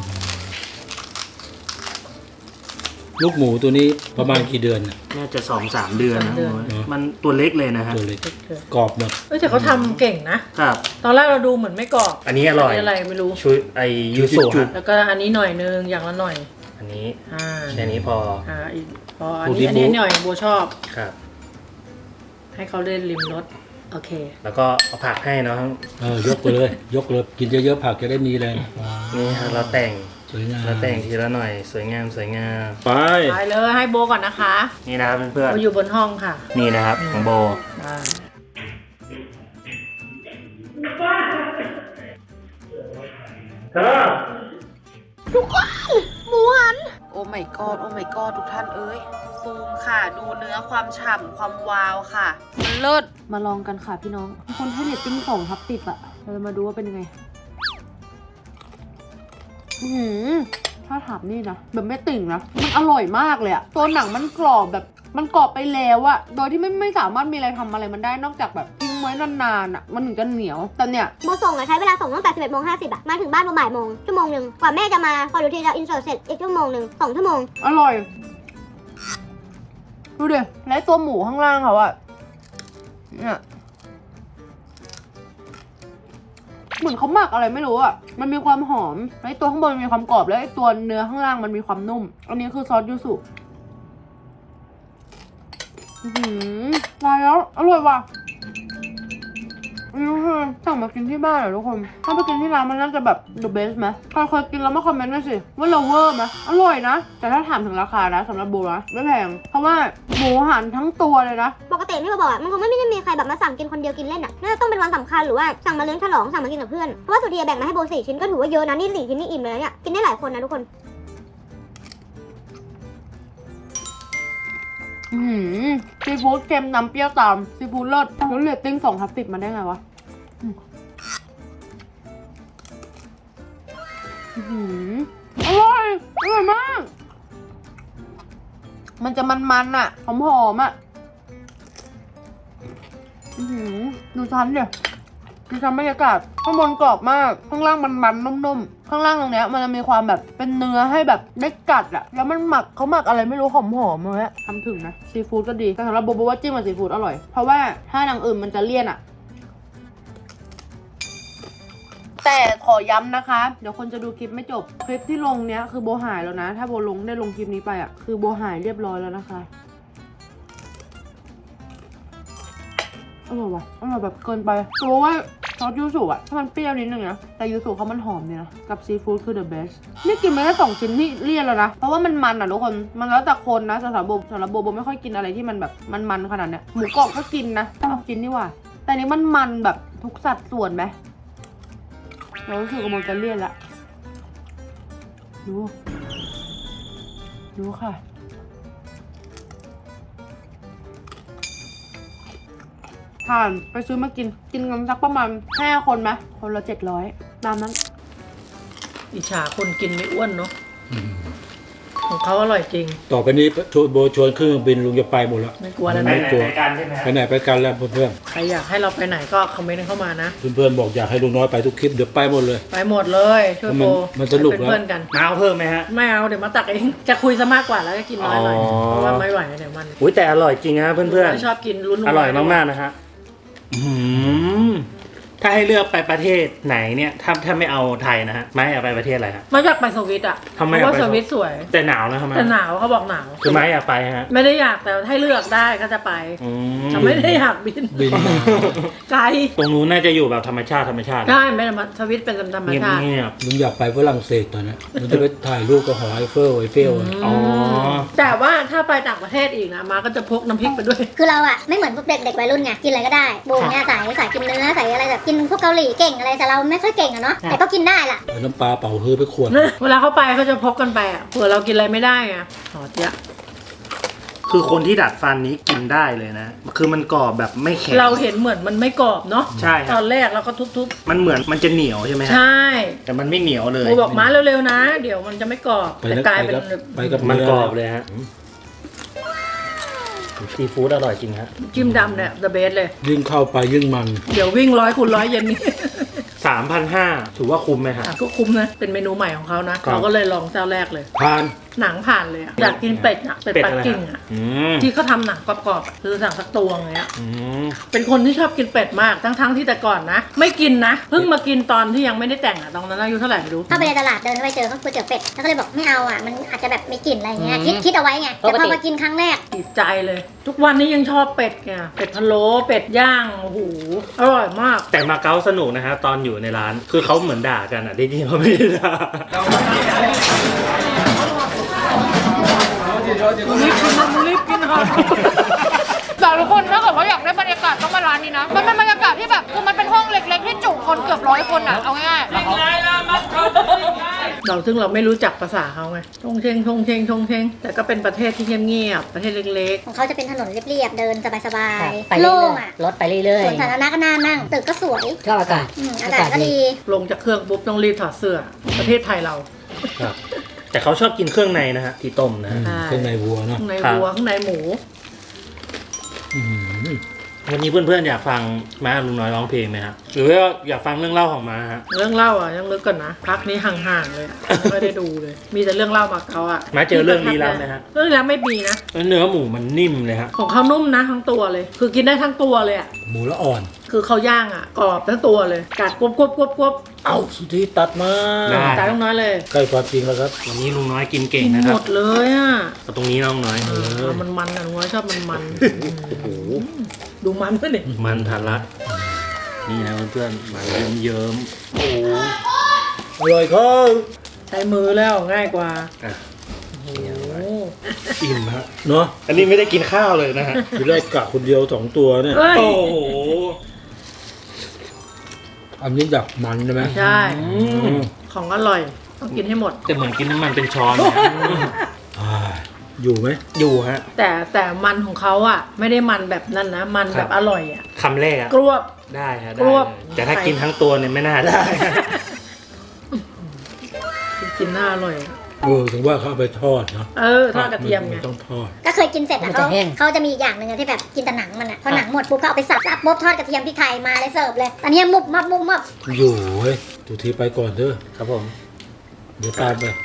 Speaker 2: ลูกหมูตัวนี้ประมาณกี่เดือนน่ะ
Speaker 4: น่าจะสองสามเดือนนะ
Speaker 3: สามเดือน
Speaker 4: โอ้ยมันตัวเล็กเลยนะฮะ
Speaker 2: ตัวเล็กกรอบหมด
Speaker 3: เอ้ยแต่เขาทำเก่งนะ
Speaker 4: ครับ
Speaker 3: ตอนแรกเราดูเหมือนไม่กรอบ
Speaker 4: อันนี้อร่อย
Speaker 3: นนี้อะไรไม่รู้
Speaker 4: ชุดไอยูสุฮะ
Speaker 3: แล้วก็อันนี้หน่อยนึงอย่างละหน่อย
Speaker 4: อันนี้
Speaker 3: อ่า
Speaker 4: แค่นี้พอ
Speaker 3: อ่าอีกพออันนี้อันนี้หน่อยโบชอบ
Speaker 4: ครับ
Speaker 3: ให้เขาเล่นริมรถโอเค
Speaker 4: แล้วก็เอาผักให้เนาะ
Speaker 2: เออยกไปเลย ยกเลยกินเยอะๆผักจะได้มีแรง
Speaker 4: นี่ฮะเราแต่ง
Speaker 2: สวยงาม
Speaker 4: เราแต่งทีละหน่อยสวยงามสวยงาม
Speaker 2: ไป
Speaker 3: ไปเลยให้โบก่อนนะคะ
Speaker 4: นี่นะครับเพื่อน
Speaker 3: โบอยู่บนห้องค่ะ
Speaker 4: ๆนี่นะครับของโบ
Speaker 3: ได้
Speaker 4: เธอ
Speaker 1: หมูหัน โอ้ my god โอ้ my god ทุกท่านเอ้ย ซูมค่ะ ดูเนื้อความฉ่ำความวาวค่ะ มันเลิศ มาลองกันค่ะพี่น้อง คนให้เรตติ้งสองทับสิบอะเราจะมาดูว่าเป็นยังไง อือหือถ้าถามนี่นะ แบบไม่ติ่งนะ มันอร่อยมากเลยอะตัวหนังมันกรอบแบบ มันกรอบไปแล้วอะโดยที่ไม่ไม่สามารถมีอะไรทำอะไรมันได้นอกจากแบบทิ้งไว้นานๆอะมันถึงจะเหนียว แต่เนี่ย
Speaker 5: โบส่งอะใช้เวลาส่งตั้งแต่สิบเอ็ดโมงห้าสิบอะมาถึงบ้านประมาณบ่ายโมงชั่วโมงหนึ่งกว่าแม่จะมาพอดูทีจะอินเสิร์ตเสร็จอีกชั่วโมงหนึ่งสองชั่วโมง
Speaker 1: อร่อย ดูดิและตัวหมูข้างล่างเขาอะเนี่ยเหมือนเขาหมักอะไรไม่รู้อะมันมีความหอมแล้วไอ้ตัวข้างบนมันมีความกรอบแล้วไอ้ตัวเนื้อข้างล่างมันมีความนุ่ม อันนี้คือซอสยูสุอื้อหือตายแล้วอร่อยว่ะอันนี้คือสั่งมากินที่บ้านเหรอทุกคนถ้าไปกินที่ร้านมันน่าจะแบบ the best ไหมใครเคยกินแล้วมาคอมเมนต์ด้วยสิว่าเราเวอร์ไหมอร่อยนะ แต่ถ้าถามถึงราคานะสำหรับโบนะไม่แพงเพราะว่าหมูหันทั้งตัวเลยนะ
Speaker 5: ปกติที่เราบอกอะมันคงไม่ได้มีใครแบบมาสั่งกินคนเดียวกินเล่นอะน่าจะต้องเป็นวันสำคัญหรือว่าสั่งมาเลี้ยงฉลองสั่งมากินกับเพื่อนเพราะว่าสุธีแบ่งมาให้โบสี่ชิ้นก็ถือว่าเยอะนะนี่สี่ชิ้นนี่อิ่มเลยนะเนี่ยกินได้หลายคนนะทุกคน
Speaker 1: อืมซีฟู้ดเค็มน้ำเปรี้ยวตามซีฟู้ดเลิศแล้วเรตติ้งสองทับสิบมาได้ไงวะอืมอื้อหืออร่อยอร่อยมาก มันจะมันๆอ่ะหอมๆอ่ะอื้อหือดูชั้นเดี๋ยวดูชั้นบรรยากาศข้างบนกรอบมากข้างล่างมันๆนุ่มๆข้างล่างตรงเนี้ยมันจะมีความแบบเป็นเนื้อให้แบบได้กัดอ่ะแล้วมันหมักเขาหมักอะไรไม่รู้หอมๆเลยอะทำถึงนะซีฟู้ดก็ดีแต่สำหรับโบโบว่าจิ้มกับซีฟู้ดอร่อยเพราะว่าถ้าอย่างอื่นมันจะเลี่ยนอ่ะแต่ขอย้ำนะคะเดี๋ยวคนจะดูคลิปไม่จบคลิปที่ลงเนี้ยคือโบหายแล้วนะถ้าโบลงได้ลงคลิปนี้ไปอ่ะคือโบหายเรียบร้อยแล้วนะคะอร่อยว่ะอร่อยแบบเกินไปแต่ว่าซอสยูสุอ่ะถ้ามันเปรี้ยวนิดนึงนะแต่ยูสุเขามันหอมดีนะกับซีฟู้ดคือ the best นี่กินไปแค่สองชิ้นนี่เลี่ยนแล้วนะเพราะว่ามันมันอ่ะทุกคนมันแล้วแต่คนนะสำหรับโบสำหรับโบโบไม่ค่อยกินอะไรที่มันแบบมันๆขนาดเนี้ยหมูกรอบก็กินนะเอากินดีกว่าแต่นี้มันมันแบบทุกสัดส่วนไหมเรารู้สึกว่ามันจะเลี่ยนละดูดูค่ะทานไปซื้อมากินกินกันสักประมาณห้าคนไหมคนละเจ็ดร้อยตามนั้น
Speaker 3: อิจฉาคนกินไม่อ้วนเนาะของเขาอร่อยจริง
Speaker 2: ต่อไปนี้ชวนโบชวนเครื่องบินลุงจะไปหมดแล้ว
Speaker 3: ไม่กลัวแล้ว
Speaker 4: ไป
Speaker 3: นะ
Speaker 4: ไหนไปกันใช่ไหมฮะ
Speaker 2: ไปไหนไปกันแล้วเพื่อน
Speaker 3: ใครอยากให้เราไปไหนก็คอมเมนต์เข้ามานะ
Speaker 2: ๆเพื่อนๆบอกอยากให้ลุงน้อยไปทุกคลิปเดี๋ยวไปหมดเลย
Speaker 3: ไปหมดเลยช่วยโบ
Speaker 2: มันมันสนุก
Speaker 3: เป็น
Speaker 2: แล้ว
Speaker 3: เพื่อนกัน
Speaker 4: มาเอาเพิ่มไหมฮะ
Speaker 3: ไม่เอาเดี๋ยวมาตักเองจะคุยซะมากกว่าแล้วก็กินน้อยหน่อย
Speaker 4: อ๋อ
Speaker 3: เพราะว่าไม่ไหวเดี๋ยวมัน
Speaker 4: อุ้ยแต่อร่อยจริงฮะเพื่อน
Speaker 3: ชอบกินลุ้น
Speaker 4: ๆอร่อยมากๆนะฮะอื้อหือถ้าให้เลือกไปประเทศไหนเนี่ยถ้าถ้าไม่เอาไทยนะฮะไม่อยากไปประเทศอะไรฮะ
Speaker 3: ไม่อยากไปสวิตอ่ะ
Speaker 4: ทำไม
Speaker 3: เพราะว่า
Speaker 4: อยากไป
Speaker 3: สวิตสวย
Speaker 4: แต่หนาวนะทำไม
Speaker 3: แต่หนาวเขาบอกหนาว
Speaker 4: คือไม่อยากไปฮะ
Speaker 3: ไม่ได้อยากแต่ให้เลือกได้ก็จะไป
Speaker 4: อืม
Speaker 3: แต่ไม่ได้อยากบิน
Speaker 2: บินมา
Speaker 3: ไกล
Speaker 4: ตรงนู้นน่าจะอยู่แบบธรรมชาติธรรมชาติ
Speaker 3: ได้ไม่ได้มาสวิตเป็นธรรม
Speaker 4: เงียบ
Speaker 3: ชาติ
Speaker 4: เงียบ
Speaker 2: ลุงอยากไปฝรั่งเศสตอนนี้มันจะไปถ่ายรูปกับหอไอเฟลไอเฟลอะ
Speaker 4: อ๋อ
Speaker 3: แต่ว่าถ้าไปต่างประเทศอีกนะมาก็จะพกน้ำพริกไปด้วย
Speaker 5: คือเราอะไม่เหมือนพวกเด็กเด็กวัยรุ่นไงกินอะไรก็ได้โบเนี่ยสายสายกินเนื้อสายอะไรแบบกินพวกเกาหลีเก่งอะไรแต่เราไม่ค่อยเก่งอะเนาะแต่ก็กินได้ล่ะ
Speaker 2: เอาน้ำปลาเป่าฮือไปขวด
Speaker 3: เวลาเขาไปเขาจะพกกันไปอ่ะเผื่อเรากินอะไรไม่ได้ไงหอเจ๊ยะ
Speaker 4: คือคนที่ดัดฟันนี้กินได้เลยนะ คือมันกรอบแบบไม่แข็ง
Speaker 3: เราเห็นเหมือนมันไม่กรอบเนาะ
Speaker 4: ใช่ค
Speaker 3: ต
Speaker 4: รั
Speaker 3: อบ นแรกเราก็ทุบ
Speaker 4: มันเหมือนมันจะเหนียวใช่ไหม
Speaker 3: ๆ
Speaker 4: ฮะ
Speaker 3: ใช่
Speaker 4: แต่มันไม่เหนียวเลย
Speaker 3: โบบอกมาเร็วๆนะ เดี๋ยวมันจะไม่กรอบ
Speaker 2: ไป
Speaker 3: แต่
Speaker 2: นะ
Speaker 3: กลาย
Speaker 2: ไป
Speaker 3: เป็น
Speaker 2: กับไปกับ
Speaker 4: มัน
Speaker 2: เนื้อก
Speaker 4: รอบเลยฮะซีฟู้ดอร่อยจริงฮะ
Speaker 3: จิ้มดำเนี่ย the best เลย
Speaker 2: ยิ่งเข้าไปยิ่งมัน
Speaker 3: เดี๋ยววิ่งร้อยคูณร้อยเย็นนี้
Speaker 4: สามพันห้าถือว่าคุ้มไหมฮะ
Speaker 3: อ่ะก็คุ้มนะ เป็นเมนูใหม่ของเขานะ
Speaker 4: ครับ
Speaker 3: เราก็เลยลองเจ้าแรกเลย
Speaker 2: ทาน
Speaker 3: หนังผ่านเลยอะอยากกินเป็ดอะเป็ด
Speaker 4: เป็ด
Speaker 3: ปัก
Speaker 4: อะไร
Speaker 3: กิ่ง
Speaker 4: ฮะ
Speaker 3: อะ
Speaker 4: อืม
Speaker 3: ที่เขาทำหนังกรอบๆอะคือสั่งสักตัวอย่างเงี้ย
Speaker 4: อืม
Speaker 3: เป็นคนที่ชอบกินเป็ดมากทั้งๆที่แต่ก่อนนะ ไม่กินนะ เพิ่งมากินตอนที่ยังไม่ได้แต่งอะตอนนั้นอายุเท่าไหร่ไม่รู้
Speaker 5: เข้าไปในตลาดเดินเข้าไปเจอเขาก๋วยเตี๋ยวเป็ดแล้วก็เลยบอกไม่เอาอ่ะมันอาจจะแบบมีกลิ่นอะไรเงี้ยคิดคิดเอาไว้ไงแต่พอมากินครั้งแรก
Speaker 3: ติดใจเลย ทุกวันนี้ยังชอบเป็ดไงเป็ดพะโล้เป็ดย่างโอ้โหอร่อยมาก
Speaker 4: แต่มาเก๊าสนุกนะฮะตอนอยู่ในร้าน คือเขาเหมือนด่ากันอ่ะที่จริงเขาไม่ได้ด่า
Speaker 3: รีบกินนะรีบกินครับ
Speaker 1: แต่ทุกคนถ้าเกิดว่าอยากได้บรรยากาศต้องมาร้านนี้นะมันเป็นบรรยากาศที่แบบคือมันเป็นห้องเล็กๆที่จุคนเกือบร้อยคนอ่ะเอาง่ายๆ
Speaker 3: เราซึ่งเราไม่รู้จักภาษาเขาไงชงเชงชงเชงชงเชงแต่ก็เป็นประเทศที่เงียบๆประเทศเล็ก
Speaker 5: ของเขาจะเป็นถนนเรียบๆเดินสบาย
Speaker 6: ไป
Speaker 5: ๆ
Speaker 6: เรื่
Speaker 5: โล่
Speaker 6: อย
Speaker 5: งอ่ะ
Speaker 6: ๆรถไปเรื่อย
Speaker 5: สวนสาธารณะก็น่านั่งตึกก็สวย
Speaker 6: ๆชอบอากาศ
Speaker 5: อืมอากาศก็ดี
Speaker 3: ๆ ลงจากเครื่องปุ๊บต้องรีบถอดเสื้อ ประเทศไทยเรา
Speaker 4: ครับ แต่เขาชอบกินเครื่องในนะฮะที่ต้มนะ
Speaker 2: อื
Speaker 4: ฮะ
Speaker 2: ม
Speaker 3: ใช่
Speaker 2: เครื่องในวัวเนาะ
Speaker 3: ข้างใน
Speaker 4: ครับ
Speaker 3: วัวข้างในหมู
Speaker 2: อืม
Speaker 4: วันนี้เพื่อนๆอยากฟังม้าลุงน้อยร้องเพลงไหมฮะหรือว่าอยากฟังเรื่องเล่าของม้าฮะ
Speaker 3: เรื่องเล่าอ่ะยังลึกก่อนนะพักนี้ห่างๆเลยอะไม่ได้ดูเลย มีแต่เรื่องเล่ามาเขาอ่ะ
Speaker 4: ม้าเจอเรื่องลี้ลับไหมฮะ
Speaker 3: เรื่องลี้ลับไม่มีนะ
Speaker 4: แล้วเนื้อหมูมันนิ่มเลยฮะ
Speaker 3: ของเขานุ่มนะทั้งตัวเลย คือกินได้ทั้งตัวเลยอ่ะ
Speaker 2: หมูละอ่อน
Speaker 3: คือเขาย่างอ่ะกรอบทั้งตัวเลยกัดกรอบกรอบกรอบกรอบ
Speaker 2: เอาสุธีตัดมา
Speaker 4: ได้
Speaker 3: ตายต้องน้อยเลย
Speaker 2: ใกล้ความจริงแล้วครับ
Speaker 4: วันนี้ลุงน้อยกินเก่ง
Speaker 3: กิน
Speaker 4: นะค
Speaker 3: หม
Speaker 4: รับ
Speaker 3: ดเลยอ่ะ
Speaker 4: เอาตรงนี้น้องน้อย
Speaker 3: เออมันมันอ่ะน้อยชอบมันมัน
Speaker 4: โอ้โห
Speaker 3: ดูมันด้วยดิ
Speaker 4: มันทาระนี่นะเพื่อนๆมาเยิ้มๆโอ้
Speaker 2: อร่อยครับ
Speaker 3: ใช้มือแล้วง่ายกว่า
Speaker 4: อ่ะ
Speaker 3: โอ้
Speaker 4: อิ่มฮะ
Speaker 2: เนาะ
Speaker 4: อันนี้ไม่ได้กินข้าวเลยนะฮะ
Speaker 2: ทีแรกกะคนเดียวสองตัวเนี่ย
Speaker 3: เฮ้ย
Speaker 4: โอ้โห
Speaker 2: อันนี้ดักมันใช่ไหม
Speaker 3: ใช่
Speaker 4: อื
Speaker 2: อื
Speaker 4: ม
Speaker 2: ม
Speaker 3: ของอร่อยต้องกินให้หมด
Speaker 4: แต่เหมือนกินน้ำมันเป็นช้อนนะ
Speaker 2: อ่าอยู่ไหม
Speaker 4: อยู่ฮะ
Speaker 3: แต่แต่มันของเขาอ่ะ ไม่ได้มันแบบนั้นนะ มัน
Speaker 4: ค
Speaker 3: แบ
Speaker 4: รับ
Speaker 3: บอร่อยอ่ะ
Speaker 4: คำแรกอะ
Speaker 3: กรวบ
Speaker 4: ได้ฮะ
Speaker 3: ก
Speaker 4: ได้
Speaker 3: รวบ
Speaker 4: เลยแต่ถ้ากินทั้งตัวเนี่ยไม่น่าได้
Speaker 3: กินน่าอร่อย
Speaker 2: เออถึงว่าเขาเอาไปทอดเนาะ
Speaker 3: เออทอดกระเทียมไง
Speaker 2: นต้องทอด
Speaker 5: ก็เคยกินเสร็จแล้ว
Speaker 6: มันจะ
Speaker 5: เขา
Speaker 6: แห้ง
Speaker 5: เขาจะมีอีกอย่างหนึ่งอะที่แบบกินแต่หนังมันอะพอหนังหมดปุ๊บก็เอาไปสับสับปุ๊บทอดกระเทียมพริกไทยมาเลยเสิร์ฟเลยอันนี้มุบมับมุบมับ
Speaker 2: อยู่เว้ยทุกทีไปก่อนเด้อ
Speaker 4: ครับผม
Speaker 2: เดี๋ยวตามไป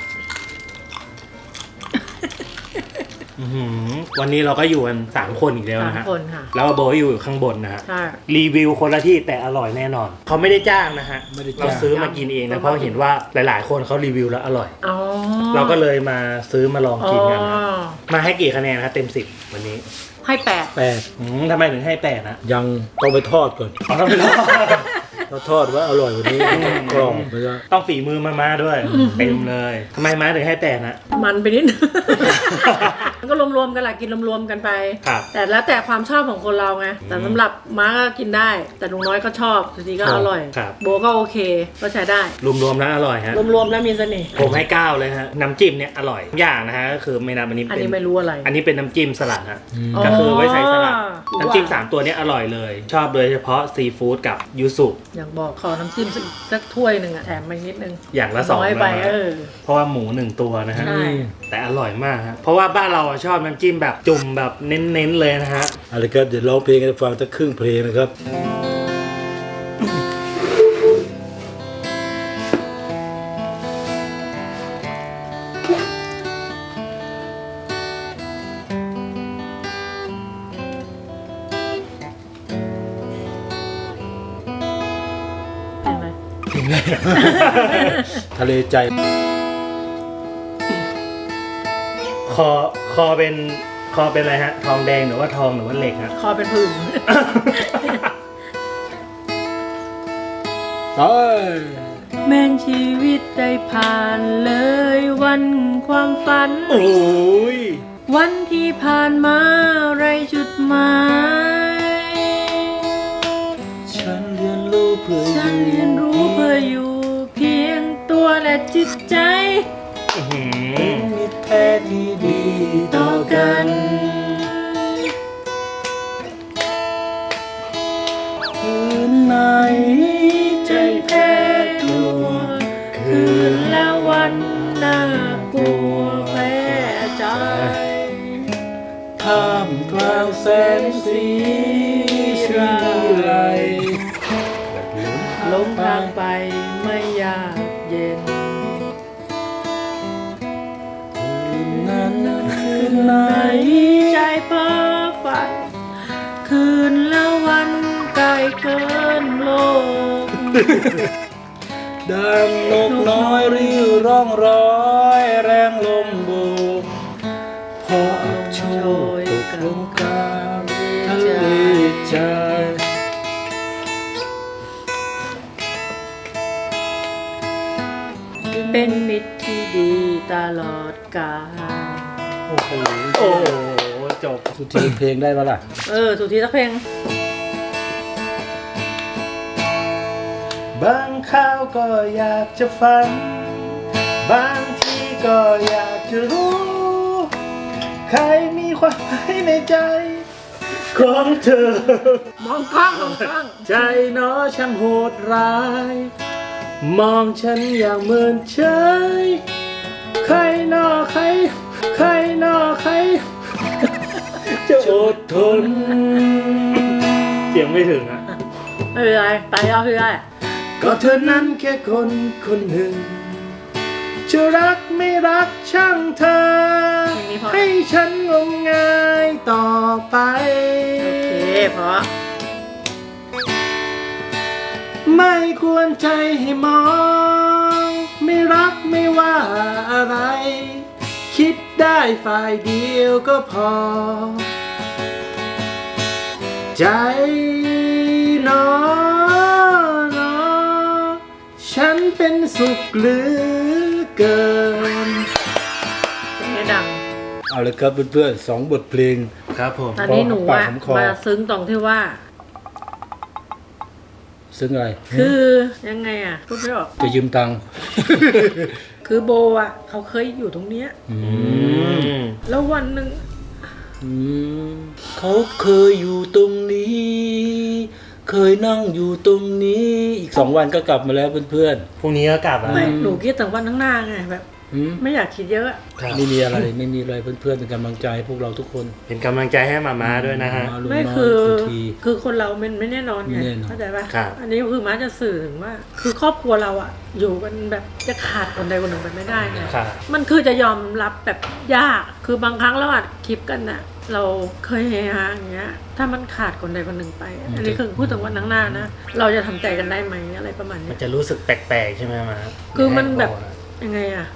Speaker 4: อื้อหือวันนี้เราก็อยู่กันสามคนอีกแล้ว
Speaker 3: สาม
Speaker 4: นะฮะ
Speaker 3: คนค่ะ
Speaker 4: แล้วโบอยู่ข้างบนนะฮะ
Speaker 3: ใช่
Speaker 4: รีวิวคนละที่แต่อร่อยแน่นอน เขาไม่ได้จ้างนะฮะ
Speaker 2: ไม่ได้จ้าง
Speaker 4: เราซื้อมากินเองนะ เพราะเห็นว่าหลาย ๆ คนเขารีวิวแล้วอร่อย
Speaker 3: อ๋อ
Speaker 4: เราก็เลยมาซื้อมาลอง
Speaker 3: อ๋อ
Speaker 4: กินกันนะมาให้กี่คะแนนครับเต็มสิบวันนี้
Speaker 3: ให้แปด
Speaker 2: แปด
Speaker 4: อืมทำไมถึงให้แปดนะ
Speaker 2: ยังต้องไปทอดก่อน
Speaker 4: อ๋อต้องไปรอ
Speaker 2: เราทอดว่าอร่อยกว่านี้กรอบมันจะ
Speaker 4: ต้องฝีมือมามาด้วย เต็มเลยทำไมมาถึงให้แปดนะ
Speaker 3: มันไปนิดนึง มันก็รวมๆกันแหละกินรวมๆกันไป
Speaker 4: ครับ
Speaker 3: แต่แล้วแต่ความชอบของคนเราไง แต่สำหรับม้าก็กินได้ แต่ลุงน้อยก็ชอบสุธีก็อร่อย
Speaker 4: ครับ
Speaker 3: โบก็โอเค ก็ใช้ได้
Speaker 4: รวมๆแล้วอร่อยฮะ
Speaker 3: รวมๆแล้วมีเสน่ห์
Speaker 4: ผมให้เก้าเลยฮะ น้ำจิ้มเนี่ยอร่อยทุกอย่างนะฮะก็คือไม่นับอันนี้
Speaker 3: อัน
Speaker 4: เป็น
Speaker 3: นี้ไม่รู้อะไร
Speaker 4: อันนี้เป็นน้ำจิ้มสลัดฮะ
Speaker 2: อืม
Speaker 3: อ๋อ
Speaker 4: ก็คือไว้ใส่สลัด
Speaker 3: ว้าว
Speaker 4: น้ำจิ้มสามตัวเนี้อร่อยเลย ชอบโดยเฉพาะซีฟู้ดกับยูสุ
Speaker 3: อย่างบอกขอน้ำจิ้มสักสักถ้วยหนึ่งอะแถมมานิดนึง
Speaker 4: อย่างละสอง
Speaker 3: น้อยไป
Speaker 4: นะฮะ
Speaker 3: เออ
Speaker 4: เพราะว่าหมูหนึ่งตัวนะฮะ
Speaker 3: ใช่
Speaker 4: แต่อร่อยมากฮะเพราะว่าบ้านเราอะชอบน้ำจิ้มแบบจุ่มแบบเน้นๆเลยนะฮะ
Speaker 2: อะไรครับเดี๋ยวร้องเพลงให้ฟังสักครึ่งเพลงนะครับ
Speaker 3: เป็นไหม
Speaker 2: ทะเลใจ
Speaker 4: คอคอเป็นคอเป็นอะไรฮะ ทองแดงหรือว่าทองหรือว่าเหล็กฮะ
Speaker 3: คอเป็นผื่น
Speaker 2: เอ้ย
Speaker 3: แม่นชีวิตได้ผ่านเลยวันความฝัน
Speaker 4: โอ้ย
Speaker 3: วันที่ผ่านมาไรจุดหมาย
Speaker 2: ฉันเรียนรู้เพื่อ
Speaker 3: ฉันเรียนรู้เพื่ออยู่เพียงตัวและจิตใจ
Speaker 4: อื้อหือ
Speaker 2: มิตรแท้ที่ดีต่อกัน คืนไหนใจแพ้กลัว
Speaker 3: คืนและวันน่ากลัวแพ้ใจ
Speaker 2: ท่ามกลางแสงสีชีไร
Speaker 3: ลงทางไปไม่ยากเย็น
Speaker 2: นั้นคืนไหน
Speaker 3: ใจเพ้อฝัน คืนและวันไกลเกินโลก
Speaker 2: ดังนกน้อยริ้วร้องร้อยแรงลมโบกพออับโชยตกลงกลางทะเลใจ
Speaker 3: เป็นมิตรที่ดีตลอดกาล
Speaker 2: โอ้โห
Speaker 4: โอ้โหจบ
Speaker 2: สุดทีเพลงได้ปะล่ะ
Speaker 3: เออสุธีสักเพลง
Speaker 4: บางคราวก็อยากจะฝัน บางทีก็อยากจะรู้ ใครมีความหมายในใจ ของเธอ
Speaker 3: มองกล้องมองกล้อง
Speaker 4: ใจเน้อช่างโหดร้าย มองฉันอย่างเมินเฉยใครนอใคร ใครนอใคร จะอดทน เสียงไม่ถึงอ่ะ
Speaker 3: ไม่เป็นไรไปเอาคือได้
Speaker 4: ก็เธอนั้นแค่คนคนหนึ่ง จะรักไม่รักช่างเธอ
Speaker 3: เพลงนี้เพราะ
Speaker 4: ให้ฉันงมงายต่อไป
Speaker 3: โอเคเพราะ
Speaker 4: ไม่ควรใจให้มอง ไม่รักไม่ว่าอะไร คิดได้ฝ่ายเดียวก็พอ ใจน้อยฉันเป็นสุขเหลือเกิน
Speaker 3: เพลงนี้ดัง
Speaker 2: เอาเลยครับเพื่อนๆสองบทเพลง
Speaker 4: ครับผม
Speaker 3: ตอนนี้หนู
Speaker 2: ปาก
Speaker 3: อะ
Speaker 2: หอมคอ
Speaker 3: มาซึ้งตรงที่ว่า
Speaker 2: ซึ่งอะไร
Speaker 3: คือยังไงอะพูดไม่ออก
Speaker 2: จะยืมตังค์
Speaker 3: คือโบอะเขาเคยอยู่ตรงเนี้ย
Speaker 2: อื
Speaker 4: อื
Speaker 2: ม
Speaker 4: ม
Speaker 3: แล้ววันหนึ่ง
Speaker 2: อืมเขาเคยอยู่ตรงนี้ เคยนั่งอยู่ตรงนี้ อีกสองวันก็กลับมาแล้วเพื่อน
Speaker 4: พรุ่งนี้ก็กลับอ่ะ
Speaker 3: ไม่หนูคิดถึงวันข้างหน้าไงแบบ
Speaker 2: ๆอืม
Speaker 3: ไม่อยากคิดเยอะอะ
Speaker 4: ครับ
Speaker 2: ไม่มีอะไรไม่มีอะไรเพื่อนๆเป็นกำลังใจให้พวกเราทุกคน
Speaker 4: เป็นกำลังใจให้มาม่าด้วยนะฮะ
Speaker 2: มาลุง
Speaker 3: ไม่
Speaker 2: น้อย
Speaker 3: คือ
Speaker 2: สุธี
Speaker 3: คือคนเรามันไม่แน่นอนไง
Speaker 2: ไม่แน่นอน
Speaker 3: เข้าใจปะ
Speaker 4: ครับ
Speaker 3: อันนี้คือม้าจะสื่อถึงว่า คือครอบครัวเราอะอยู่กันแบบจะขาดคนใดคนหนึ่งไปไม่ได้ไง
Speaker 4: ครับ
Speaker 3: มันคือจะยอมรับแบบยาก คือบางครั้งเราอัดคลิปกันน่ะ เราเคยเฮฮาอย่างเงี้ย ถ้ามันขาดคนใดคนหนึ่งไป อันนี้คือพูดถึงวันข้างหน้านะ เราจะทำใจกันได้ไหมอะไรประมาณ
Speaker 4: มั
Speaker 3: เนี้
Speaker 4: น
Speaker 3: ย
Speaker 4: จะรู้สึกแปลกๆใช่ไหมมา
Speaker 3: คือมันแบบยังไงอะ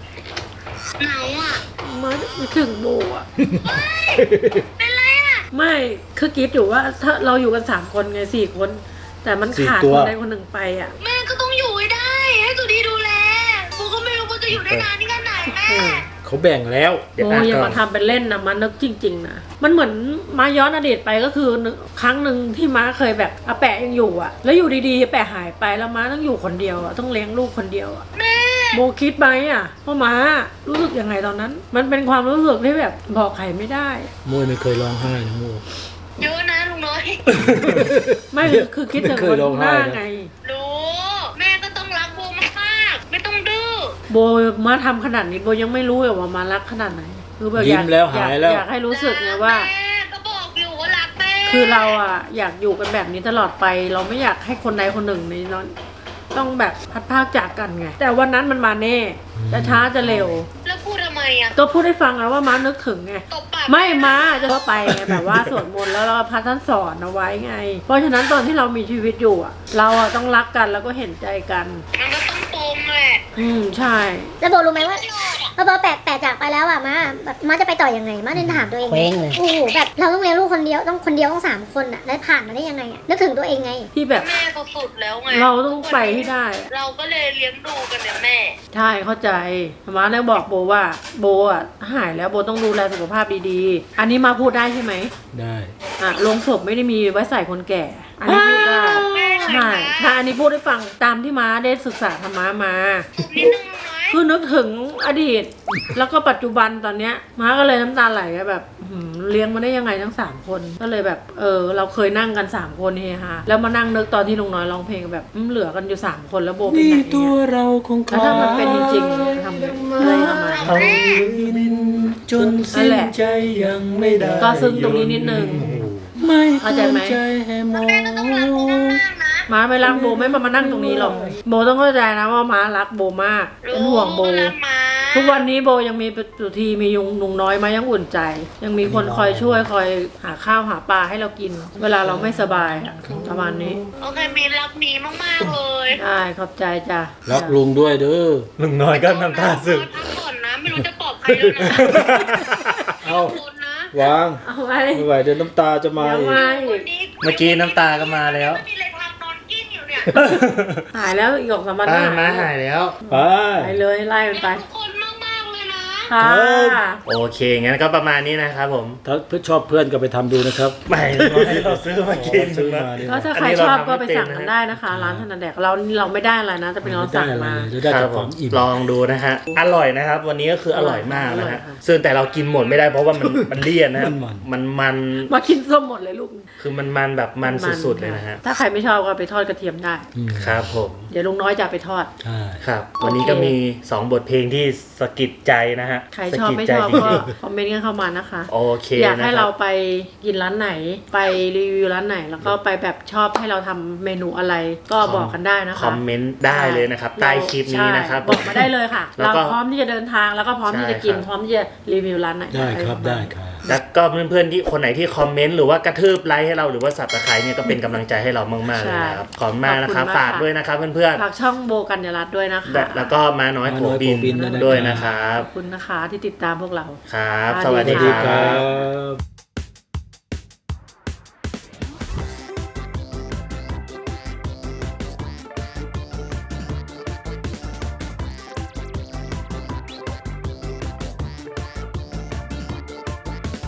Speaker 3: มาไม่ถึงโบอะเป็นไรอะไม่ คือคิดอยู่ว่าถ้าเราอยู่กันสามคนไงสี่คน แต่มันขาดคนใดคนหนึ่งไปอะ
Speaker 7: แม่ก็ต้องอยู่ให้ได้ ให้สุดีดูแลกูก็ไม่รู้ว่าจะอยู่ได้นานที่ขนาดไหนแม่
Speaker 2: เขาแบ่งแล้ว
Speaker 4: เดี๋ยว
Speaker 3: โอ้
Speaker 4: อ่ะ
Speaker 3: ยอย่า
Speaker 4: ก่อ
Speaker 3: มาน ทำเป็นเล่นนะมันนึกจริง ๆนะมันเหมือนมาย้อนอดีตไปก็คือนึกครั้งหนึ่งที่ม้าเคยแบบอาแปะยังอยู่อะแล้วอยู่ดีๆอาแปะหายไปแล้วม้าต้องอยู่คนเดียวอะต้องเลี้ยงลูกคนเดียวอะโบคิดไหมอะว่าม้ารู้สึกยังไงตอนนั้น มันเป็นความรู้สึกที่แบบบอกใครไม่ได้
Speaker 2: โมยไม่เคยร้องไห้นะโม
Speaker 7: เยอะนะลุงน้อย
Speaker 3: ไม่คือคิดถึง
Speaker 2: เค
Speaker 3: วั
Speaker 2: ย
Speaker 3: น
Speaker 2: ร้อง
Speaker 3: ห
Speaker 2: ไห้
Speaker 3: น้า
Speaker 2: นะ
Speaker 3: ไง
Speaker 7: รู้ แม่ก็ต้องรักโบมากๆไม่ต้องดื้อ
Speaker 3: โบมาทำขนาดนี้โบยังไม่รู้เลยว่ามารักขนาดไหนคือแบบอ
Speaker 2: ยิ้
Speaker 3: ยาก
Speaker 2: มแล้ว
Speaker 3: อยาก
Speaker 2: หายแล้ว
Speaker 3: อยากให้รู้สึกไงว่า
Speaker 7: แม่ก็บอกอยู่ว่ารักแม่
Speaker 3: คือเราอะอยากอยู่กันแบบนี้ตลอดไป เราไม่อยากให้คนใดคนหนึ่งในนั้นต้องแบบพัดพรากจากกันไงแต่วันนั้นมันมาแน่จะช้าจะเร็ว
Speaker 7: แล้วพูดทำไมอ่ะ
Speaker 3: ก็พูดให้ฟังแล้วว่าม้านึกถึงไง
Speaker 7: ตบปาก
Speaker 3: ไม่ม้าจะเข้าไปไงแบบว่าสวดมนต์แล้วเราพระท่านสอนเอาไว้ไง เพราะฉะนั้นตอนที่เรามีชีวิตอยู่อะเราอะต้องรักกันแล้วก็เห็นใจกัน
Speaker 7: มันก็ต้องปมแหละ
Speaker 3: อืมใช่
Speaker 5: แล้วโบรู้ไหมว่าพอโบแปะแปะจากไปแล้วอะมาแบบมาจะไปต่อยังไงมาเดินถามตัวเอง
Speaker 6: เคว้งเลย
Speaker 5: โอ้โหแบบเราต้องเลี้ยงลูกคนเดียวต้องคนเดียวต้องสามคนอะแล้วผ่านมาได้ยังไงอะนึกถึงตัวเองไง
Speaker 3: ที่แบบ
Speaker 7: แม่ก็สุดแล้วไง
Speaker 3: เราต้องไปให้ได้อะ
Speaker 7: เราก็เลยเลี้ยงดูกันเนี่ยแม่
Speaker 3: ใช่เข้าใจม้าเลยบอกโบว่าโบอะหายแล้วโบต้องดูแลสุขภาพดีๆ อันนี้มาพูดได้ใช่ไหม
Speaker 2: ได้
Speaker 3: อ่ะโรงศพไม่ได้มีไว้ใส่คนแก่ อันนี้พูดได้ใช่ใช่อันนี้พูดให้ฟังตามที่ม้าได้ศึกษาธรรมะมา
Speaker 7: นิดนึงลุงน้อย
Speaker 3: คือนึกถึงอดีต แล้วก็ปัจจุบันตอนเนี้ยม้าก็เลยน้ำตาไหลอะแบบหืมเลี้ยงมาได้ยังไงทั้งสามคน ก็เลยแบบเออเราเคยนั่งกันสามคนเฮฮาแล้วมานั่งนึกตอนที่ลุงน้อยร้องเพลงแบบอืมเหลือกันอยู่สามคนแล้วโบเป็น
Speaker 2: นี่
Speaker 3: ไหน
Speaker 2: ตัว
Speaker 3: เนี่ย
Speaker 2: เราคง
Speaker 3: แล้วถ้ามันเป็นจริงๆทำไงอะไรประมาณ
Speaker 2: เอา
Speaker 3: นี้
Speaker 2: ดินจนสิ้นใจยังไม่ได้
Speaker 3: ก็ซึ้งตรงนี้นิดนึง
Speaker 2: ไม่
Speaker 3: เข้าใจไหม
Speaker 2: ใจให้มอง
Speaker 3: ม้าไม่รักโบไม่มามานั่งตรงนี้หรอกโบต้องเข้าใจนะว่าม้ารักโบมากเป็นห่วงโบ
Speaker 7: รักมา
Speaker 3: ทุกวันนี้โบยังมีสุธีมียุงนุงน้อยมายังอุ่นใจ ยังมีคนคอยช่วยคอยหาข้าวหาปลาให้เรากิน เวลาเราไม่สบายอะประมาณนี้
Speaker 7: โอเคมีรักมีมากๆเลย
Speaker 3: ได้ขอบใจจ้ะ
Speaker 2: รักลุงด้วยเด้อ
Speaker 4: ลุงน้อยก็น้ำตาซึม
Speaker 7: พักก่อนนะ ไม่รู้จะปลอบใครแล้วนะ
Speaker 2: เอา
Speaker 7: คนนะ
Speaker 2: วาง
Speaker 3: เอาไว้
Speaker 2: ไม่ไหวเดี๋ยวน้ำตาจะมา
Speaker 3: เดี๋ยว
Speaker 2: อีก
Speaker 3: มา
Speaker 7: คนนี้
Speaker 4: เมื่อกี้น้ำตาก็มาแล้ว
Speaker 7: ไม่มีอะไรทำนอนกิ้งอยู่เนี่ย
Speaker 3: หายแล้วอีกสองสามวัน
Speaker 4: ป้า
Speaker 3: ก็
Speaker 4: มา
Speaker 3: หา
Speaker 4: หาย ยแล้ว
Speaker 2: ไป
Speaker 3: ไปเลยไล่มันไป
Speaker 7: รักทุกคนมากๆเลยนะ
Speaker 3: ค่ะ
Speaker 4: โอเค งั้นก็ประมาณนี้นะครับผม
Speaker 2: ถ้าเพื่อนชอบเพื่อนก็ไปทำดูนะครับ
Speaker 4: ไม่น้อยเราซื้อมากิน
Speaker 2: ซื้อมาดิ
Speaker 3: ก็ถ้าใครชอบก็ไปสั่งกันได้นะคะ ร้านธนาแดกเราเราไม่ได้อะไรนะจะเป็นเราสั่งมา
Speaker 2: จะได้
Speaker 4: ค
Speaker 2: จา
Speaker 4: รั
Speaker 2: ก
Speaker 4: บ
Speaker 2: ค
Speaker 4: ผ
Speaker 2: วาม มอิ่ม
Speaker 4: ลองดูนะฮะ อร่อยนะครับ วันนี้ก็คืออร่อยมากนะ
Speaker 3: อร่อ
Speaker 4: ฮะ
Speaker 3: ยค่ะ
Speaker 4: ซึ่งแต่เรากินหมดไม่ได้เพราะว่ามันมันเลี่ยนนะครับ
Speaker 2: มัน
Speaker 4: มันมัน
Speaker 3: มากินส้มหมดเลยลูก
Speaker 4: คือมันมันแบบมันสุดๆเลยนะฮะ
Speaker 3: ถ้าใครไม่ชอบก็ไปทอดกระเทียมได้
Speaker 2: อืม
Speaker 4: ครับผม
Speaker 3: เดี๋ยวลุงน้อยจะเอาไปทอด
Speaker 2: ใช่
Speaker 4: ครับ วันนี้
Speaker 3: โอเค
Speaker 4: ก็มีสองบทเพลงที่สะกิดใจนะฮะ
Speaker 3: ใครชอบ
Speaker 4: สะกิด
Speaker 3: ไม่
Speaker 4: ใจ
Speaker 3: ชอบ
Speaker 4: จริ
Speaker 3: ก็
Speaker 4: ง
Speaker 3: คอมเมนต์กันเข้ามานะคะ
Speaker 4: ๆโอเค
Speaker 3: อยากให้
Speaker 4: นะค
Speaker 3: เรา
Speaker 4: รับ
Speaker 3: ไปกินร้านไหน ไปรีวิวร้านไหน แล้วก็ไปแบบชอบให้เราทำเมนูอะไร ก็บอกกันได้นะคะ
Speaker 4: คอมเมนต์ได้เลยนะครับ ใต้คลิปนี้นะครับ
Speaker 3: ใช่บอกมาได้เลยค่ะ
Speaker 4: แล้ว
Speaker 3: เรา
Speaker 4: ก็
Speaker 3: พร้อมที่จะเดินทางแล้วก็พร้อมที่จะกิน
Speaker 4: ใช่ครับ
Speaker 3: พร้อมที่จะรีวิวร้านไหน
Speaker 2: ได้ครับ
Speaker 3: อะ
Speaker 2: ได้
Speaker 3: ปะมาณ
Speaker 2: ครับ
Speaker 4: แล้วก็เพื่อนๆที่คนไหนที่คอมเมนต์หรือว่ากระทืบไลค์ให้เราหรือว่าสับตะไคร้เนี่ยก็เป็นกำลังใจให้เรามากๆเลยนะครับขอบคุณมากนะครับ
Speaker 3: ขอบคุณมาก
Speaker 4: ฝากด้วยนะครับเพื่อน
Speaker 3: ฝากช่องโบกัญญารัตน์ด้วยนะคะ
Speaker 4: ๆแล้วก็มาน้อยโผบิน
Speaker 2: มาน้อยโผบินด้วยนะครับ
Speaker 4: ด้วยนะครับ
Speaker 3: ขอบคุณนะคะที่ติดตามพวกเรา
Speaker 4: ครับ
Speaker 3: ส
Speaker 4: ส
Speaker 3: วั
Speaker 4: วั
Speaker 3: ส
Speaker 4: ส
Speaker 3: ดี
Speaker 4: ดี
Speaker 2: สวัสดี
Speaker 4: ค
Speaker 2: ค
Speaker 4: รั
Speaker 2: รับ บ